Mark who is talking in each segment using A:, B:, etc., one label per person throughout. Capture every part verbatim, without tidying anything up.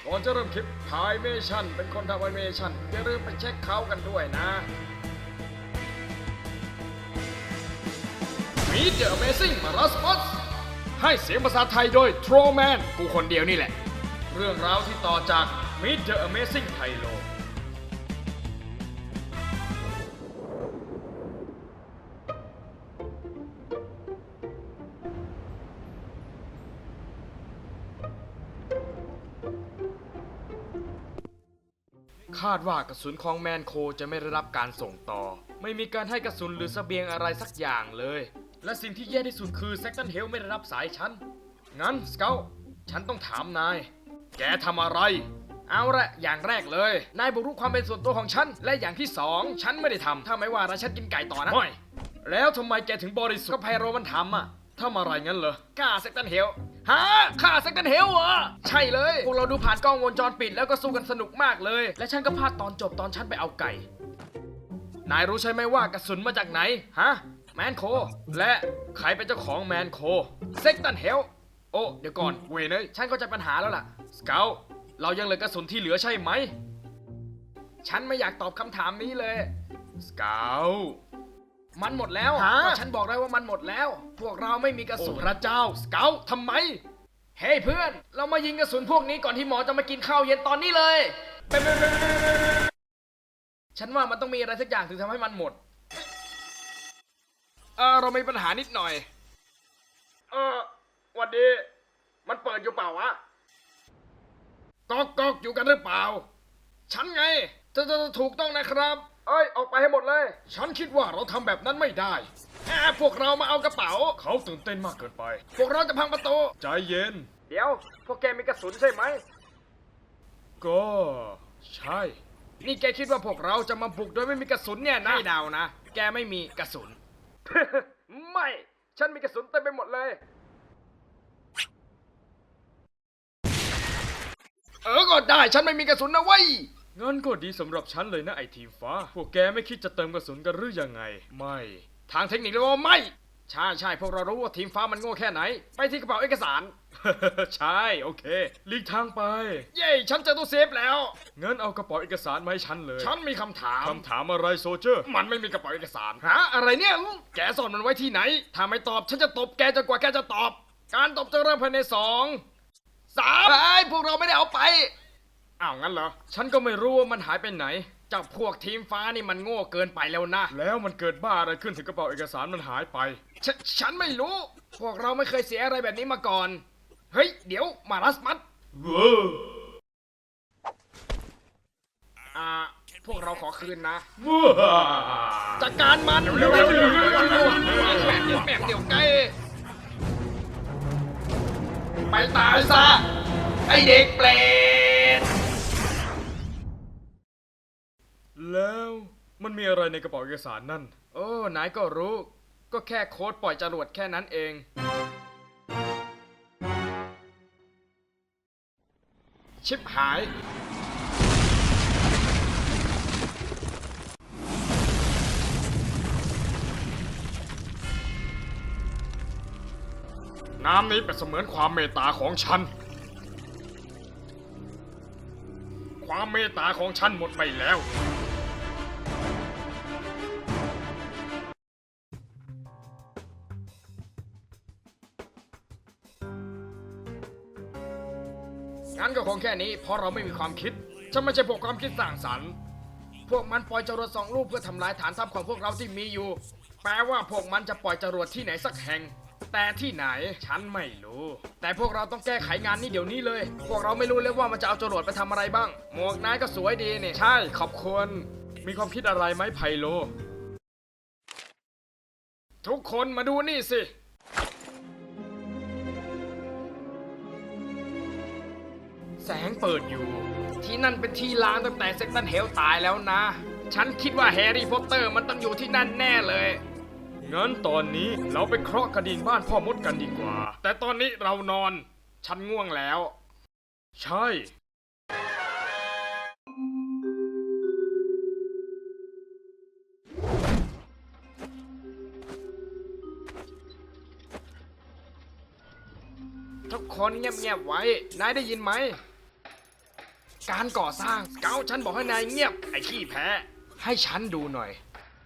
A: ก่อนจะเริ่มคลิปถ่ายเมชั่นเป็นคนทำแอนิเมชั่นอย่าลืมไปเช็คเขากันด้วยนะ Meet the Amazing Marasmus ให้เสียงภาษาไทยโดย Trollman กูคนเดียวนี่แหละ เรื่องราวที่ต่อจาก Meet the Amazing Tyloคาดว่ากระสุนของแมนโคจะไม่ได้รับการส่งต่อไม่มีการให้กระสุนหรือเสบียงอะไรสักอย่างเลยและสิ่งที่แย่ที่สุดคือแซกตันเฮลไม่ได้รับสายฉันงั้นสเกลฉันต้องถามนายแกทำอะไรเอาละอย่างแรกเลยนายบุกรุกความเป็นส่วนตัวของฉันและอย่างที่สองฉันไม่ได้ทำถ้าไม่ว่านะฉันกินไก่ต่อนะไม่แล้วทำไมแกถึงบริสุทธิ์ก็ไพโรมันทำอะทำอะไรงั้นเหรอฆ่าแซกตันเฮลฮะฆ่าแซกตันเฮลเหรอใช่เลยพวกเราดูผ่านกล้องวงจรปิดแล้วก็สู้กันสนุกมากเลยและฉันก็พลาดตอนจบตอนฉันไปเอาไก่นายรู้ใช่ไหมว่ากระสุนมาจากไหนฮะแมนโคและใครเป็นเจ้าของแมนโคแซกตันเฮลโอ้เดี๋ยวก่อนเวยเนยฉันก็จะปัญหาแล้วล่ะสเกลเรายังเหลือกระสุนที่เหลือใช่ไหมฉันไม่อยากตอบคำถามนี้เลยสเกลมันหมดแล้วก็ฉันบอกได้ว่ามันหมดแล้วพวกเราไม่มีกระสุนพระเจ้าสเกลทำไมเฮ้ hey, เพื่อนเรามายิงกระสุนพวกนี้ก่อนที่หมอจะมากินข้าวเย็นตอนนี้เลยฉันว่ามันต้องมีอะไรสักอย่างถึงทำให้มันหมดเออเรามีปัญหานิดหน่อยเออวันดีมันเปิดอยู่เปล่าวะก๊อกก๊อกอยู่กันหรือเปล่าฉันไงจะจะถูกต้องนะครับเอ้ยออกไปให้หมดเลยฉันคิดว่าเราทำแบบนั้นไม่ได้แค่พวกเรามาเอากระเป๋าเขาตื่นเต้นมากเกินไปพวกเราจะพังประตูใจเย็นเดี๋ยวพวกแกมีกระสุนใช่ไหมก็ใช่นี่แกคิดว่าพวกเราจะมาบุกโดยไม่มีกระสุนเนี่ยนะไม่เดานะแกไม่มีกระสุน ไม่ฉันมีกระสุนเต็มไปหมดเลยเออก็ได้ฉันไม่มีกระสุนนะเว้ยงั้นก็ดีสำหรับฉันเลยนะไอทีมฟ้าพวกแกไม่คิดจะเติมกระสุนกันหรือยังไงไม่ทางเทคนิคแล้วไม่ใช่ใช่พวกเรารู้ว่าทีมฟ้ามันโง่แค่ไหนไปที่กระเป๋าเอกสาร ใช่โอเคหลีกทางไปเย้ฉันเจอตู้เซฟแล้วงั้นเอากระเป๋าเอกสารมาให้ฉันเลยฉันมีคำถามคำถามอะไรโซเจอร์มันไม่มีกระเป๋าเอกสารฮะอะไรเนี่ยแกซ่อนมันไว้ที่ไหนถ้าไม่ตอบฉันจะตบแกจนกว่าแกจะตอบการตบจะเริ่มภายในสองสามไอ้พวกเราไม่ได้เอาไปอ้าวงั้นเหรอฉันก็ไม่รู้ว่ามันหายไปไหนจากพวกทีมฟ้านี่มันโง่เกินไปแล้วนะแล้วมันเกิดบ้าอะไรขึ้นถึงกระเป๋าเอกสารมันหายไปฉฉันไม่รู้พวกเราไม่เคยเสียอะไรแบบนี้มาก่อนเฮ้ยเดี๋ยวมารัสมัดอ่าพวกเราขอคืนนะจัดการมันเร็วๆแม่เดี๋ยวแม่เดี๋ยวใกล้ไปตายซะไอเด็กเปรตแล้วมันมีอะไรในกระเป๋าเอกสารนั่นโอ้นายก็รู้ก็แค่โค้ดปล่อยจรวดแค่นั้นเองชิบหายน้ำนี้เป็นเสมือนความเมตตาของฉันความเมตตาของฉันหมดไปแล้วงั้นก็คงแค่นี้เพราะเราไม่มีความคิดฉันไม่ใช่พวกความคิดสร้างสรรค์พวกมันปล่อยจรวดสองลูกเพื่อทำลายฐานทัพของพวกเราที่มีอยู่แปลว่าพวกมันจะปล่อยจรวดที่ไหนสักแห่งแต่ที่ไหนฉันไม่รู้แต่พวกเราต้องแก้ไขงานนี้เดี๋ยวนี้เลยพวกเราไม่รู้เลยว่ามันจะเอาจรวดไปทำอะไรบ้างหมวกนายก็สวยดีนี่ใช่ขอบคุณมีความคิดอะไรไหมไพโลทุกคนมาดูนี่สิแสงเปิดอยู่ที่นั่นเป็นที่ล้างตั้งแต่เซกตันเฮลตายแล้วนะฉันคิดว่าแฮร์รี่พอตเตอร์มันต้องอยู่ที่นั่นแน่เลยงั้นตอนนี้เราไปเคราะห์กระดิ่งบ้านพ่อมดกันดีกว่าแต่ตอนนี้เรานอนฉันง่วงแล้วใช่ทุกคนเงียบๆไว้นายได้ยินไหมการก่อสร้างสเกลฉันบอกให้นายเงียบไอ้ขี้แพ้ให้ฉันดูหน่อย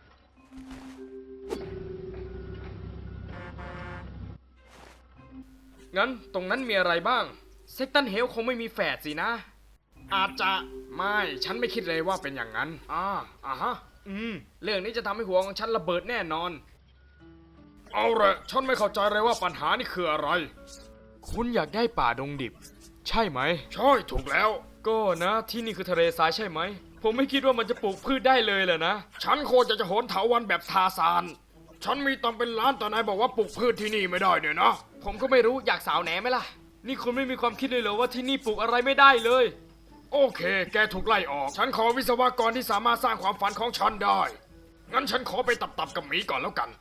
A: งั้นตรงนั้นมีอะไรบ้างเซกตันเฮลคงไม่มีแฝดสินะอาจจะไม่ฉันไม่คิดเลยว่าเป็นอย่างนั้นอ่าอ่าฮะอืมเรื่องนี้จะทำให้หัวของฉันระเบิดแน่นอนเอาละฉันไม่เข้าใจเลยว่าปัญหานี่คืออะไรคุณอยากได้ป่าดงดิบใช่ไหมใช่ถูกแล้วก็นะที่นี่คือทะเลทรายใช่ไหมผมไม่คิดว่ามันจะปลูกพืชได้เลยแหละนะฉันโคตรจะจะโหนเถาวัลย์แบบทาซานฉันมีตังเป็นล้านแต่นายบอกว่าปลูกพืชที่นี่ไม่ได้เนี่ยนะผมก็ไม่รู้อยากสาวแหนไหมล่ะนี่คุณไม่มีความคิดเลยเหรอว่าที่นี่ปลูกอะไรไม่ได้เลยโอเคแกถูกไล่ออกฉันขอวิศวกรที่สามารถสร้างความฝันของฉันได้งั้นฉันขอไปตับๆกับหมีก่อนแล้วกัน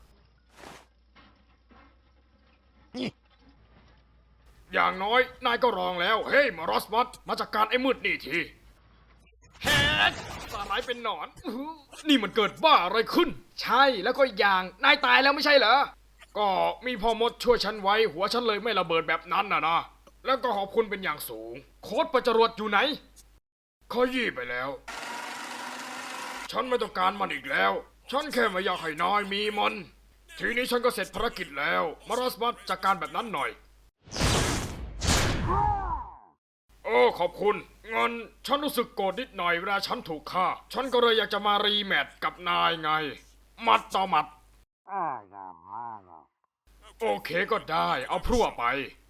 A: อย่างน้อยนายก็รองแล้วเฮ้ยมารอสมัสมาจากการไอ้มืดนี่ทีแฮกสาหร่ายเป็นหนอนอื้อนี่มันเกิดบ้าอะไรขึ้นใช่แล้วก็อีกอย่างนายตายแล้วไม่ใช่เหรอก็มีพ่อมดช่วยฉันไว้หัวฉันเลยไม่ระเบิดแบบนั้นนะนะแล้วก็ขอบคุณเป็นอย่างสูงโค้ดประจรวดอยู่ไหนขอยี่ไปแล้วฉันไม่ต้องการมันอีกแล้วฉันแค่ไม่อยากให้นายมีมันทีนี้ฉันก็เสร็จภารกิจแล้วมารอสมัสจัดการแบบนั้นหน่อยโอ้ขอบคุณงั้นฉันรู้สึกโกรธนิดหน่อยเวลาฉันถูกฆ่าฉันก็เลยอยากจะมารีแมตช์กับนายไงหมัดต่อหมัดโอเคก็ได้เอาพรั่วไป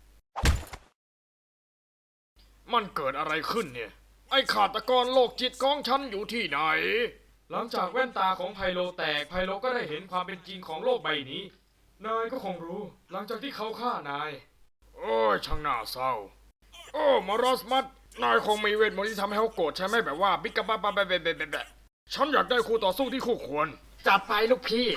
A: มันเกิดอะไรขึ้นเนี่ยไอ้ฆาตกรโรคจิตของฉันอยู่ที่ไหนหลังจากแว่นตาของไพโลแตกไพโลก็ได้เห็นความเป็นจริงของโลกใบนี้นายก็คงรู้หลังจากที่เขาฆ่านายโอ้ยช่างน่าเศร้าโอ้มารอสมัสนายคงมีเวทมนต์ที่ทำให้เขาโกรธใช่ไหมแบบว่าบิ๊กกะบ้าบ้าแบบแบบแบบฉันอยากได้คู่ต่อสู้ที่คู่ควรจัดไปลูกพี่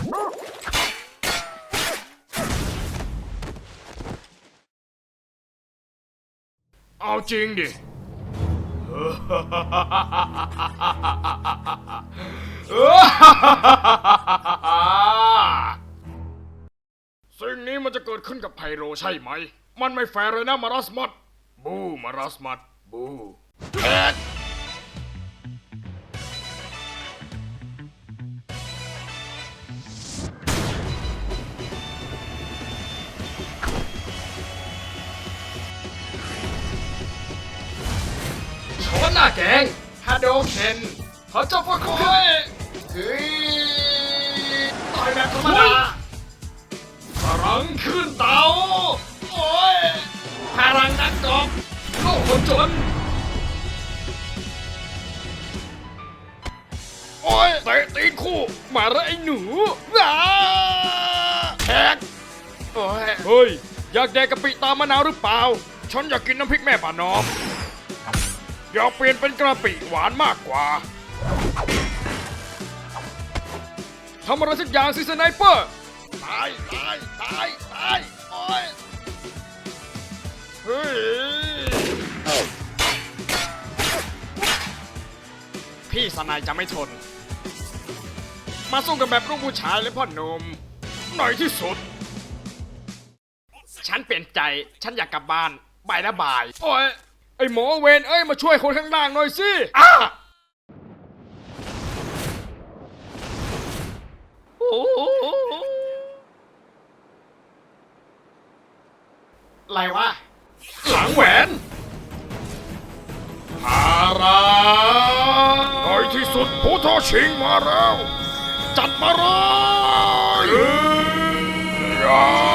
A: เอาจริงดิสิ่งนี้มันจะเกิดขึ้นกับไพโรใช่ไหมมันไม่แฟร์เลยนะมารัสมัดบูมารัสมัดบูแท็กชนหน้าแกงฮาโดเคนเขาจะฟักคอยเฮ้ยต่อยแบบธรรมดาพลังขึ้นเตาโอ้ยพลังนักกอบโลกคนจนโอ้ยเตะตีนคู่มาแล้วไอ้หนูว้าแท็กโอ้ยเฮ้ยอยากแดกกะปิตามมะนาวหรือเปล่าฉันอยากกินน้ำพริกแม่ป่านอมอยากเปลี่ยนเป็นกะปิหวานมากกว่าทำอะไรสักอย่างสิสไนเปอร์ตายตายตายตายโอ้ยเฮ้ยพี่สนายจะไม่ทนมาสู้กันแบบลูกผู้ชายเลยพ่อหนุ่มหน่อยที่สุดฉันเปลี่ยนใจฉันอยากกลับบ้านบายนะบายโอ้ยไอหมอเวนเอ้ยมาช่วยคนข้างล่างหน่อยสิอ้าโอ้อะไรวะหลังแหวนฮาราในที่สุดผู้ท้าชิงมาแล้วจัดมาเลย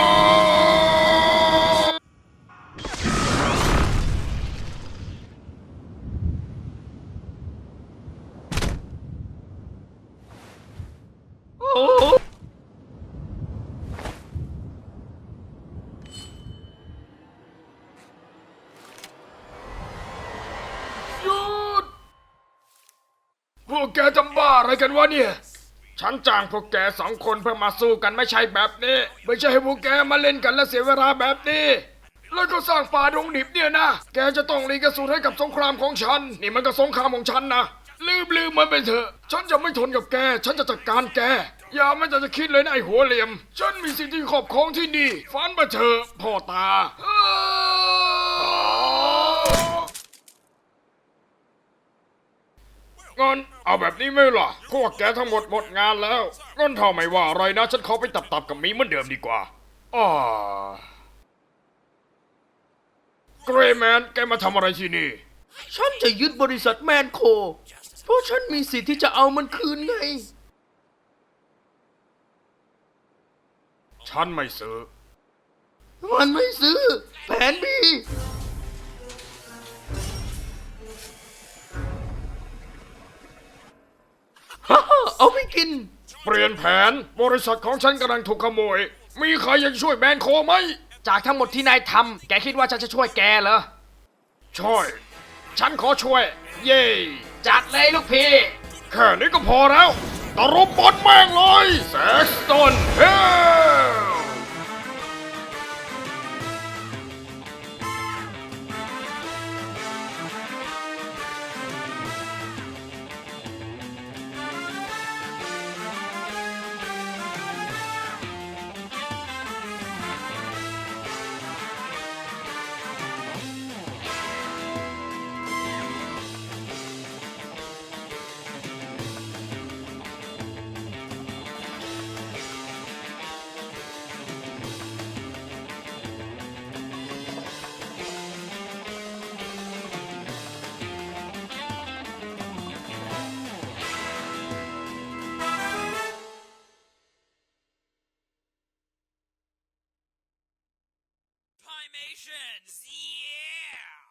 A: หยุดพวกแกจำบ้าอะไรกันวะเนี่ยฉันจ้างพวกแกสองคนเพื่อมาสู้กันไม่ใช่แบบนี้ไม่ใช่ให้พวกแกมาเล่นกันและเสียเวลาแบบนี้แล้วก็สร้างป่าดงดิบเนี่ยนะแกจะต้องรีกระสุนให้กับสงครามของฉันนี่มันก็สงครามของฉันนะลืมลืมมันไปเถอะฉันจะไม่ทนกับแกฉันจะจัดการแกอย่าไม่จะจะคิดเลยนะไอ้หัวเหลี่ยมฉันมีสิ่งที่ขอบของที่นี่ฟันมาเถอะพ่อตางั้นเอาแบบนี้ไหมล่ะพวกแกทั้งหมดหมดงานแล้วงั้นถ้าไม่ว่าอะไรนะฉันขอไปตับๆกับหมีเหมือนเดิมดีกว่าอ้าเกรย์แมนแกมาทำอะไรที่นี่
B: ฉันจะยึดบริษัทแมนโค เพราะฉันมีสิทธิ์ที่จะเอามันคืนไง
A: ฉันไม่ซื้อ
B: มันไม่ซื้อ แผนบีฮ่าฮ่าเอาไปกิน
A: เปลี่ยนแผนบริษัทของฉันกำลังถูกขโมย มีใครอยากช่วยแมนโคไหม
B: จากทั้งหมดที่นายทำ แกคิดว่าฉันจะช่วยแกเหรอ
A: ช่วย ฉันขอช่วย เย่
B: จัดเลยลูกพี่
A: แค่นี้ก็พอแล้วตะรบบอลแม่งเลยแซกสตันเฮล
C: Primations! Yeah!